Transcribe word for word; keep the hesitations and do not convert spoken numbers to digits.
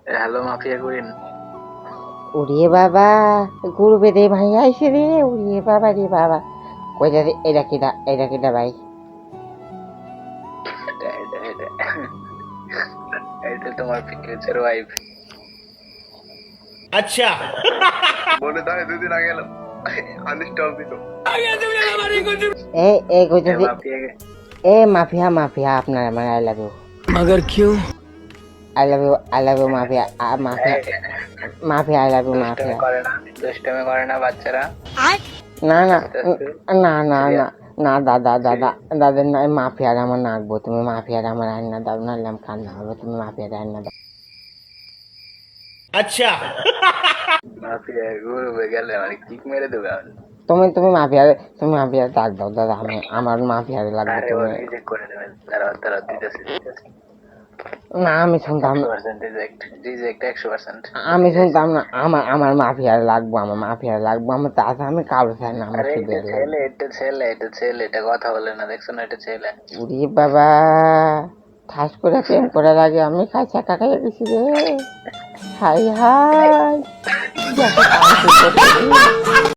Hello mafia queen. ওরে বাবা, গুরুবে রে ভাই আইসে রে। ওরে বাবা রে বাবা, কইটা রে, এটা কিটা, এটা কিটা ভাই? এটা এটা এটা এটা তোমার ফিউচার ওয়াইফ। अच्छा বলে দাও দুদিন আগে এলো আনস্টল দিল। এ এ এ কইতাছি, মাফিয়া এ মাফিয়া মাফিয়া আপনার আমার আই লাভ ইউ, मगर क्यों I love you, I love you mafia, mafia mafia, I love you দুষ্টামি মাফিয়া। করে না, দুষ্টামি করে না বাচ্চারা। না না আস্তে আস্তে না না সিরিয়াস না না দাদা দাদা দাদা না, মাফিয়ার আমার নাকবো, তুমি মাফিয়ার আমার আইনা দাও, নাহলে কান্না হবে, তুমি মাফিয়ার আইনা দাও। अच्छा মাফিয়া ঘুরবে গেলে মানে কিক মেরে দেবে আমি। তুমি তুমি মাফিয়ার, তুমি মাফিয়ার ডাক দাও দাদা, আমি আমার মাফিয়ার লাগবে আরে ও তুমি। রিজেক্ট করে দেবেন, দাঁড়াও দাঁড়াও দিতেছি দিতেছি। না আমি শুনতাম একশো না, পার্সেন্ট রিজেক্ট, রিজেক্ট একশো পার্সেন্ট। আমি শুনতাম না, আমার আমার মাফিয়ার লাগবো, আমার মাফিয়ার লাগবো, আমার তাতে আমি কারো চাই না, আমার আরে শুধু এটা এর লাগবে। ছেলে, এটা ছেলে, এটা ছেলে, এটা কথা বলে না, দেখছো না, এটা ছেলে। উরি বাবা, ঠাস করে প্রেম করার আগে আমি খাইছা কাকাইয়া গেছি রে। হাই হাই, দেখো কাম করতে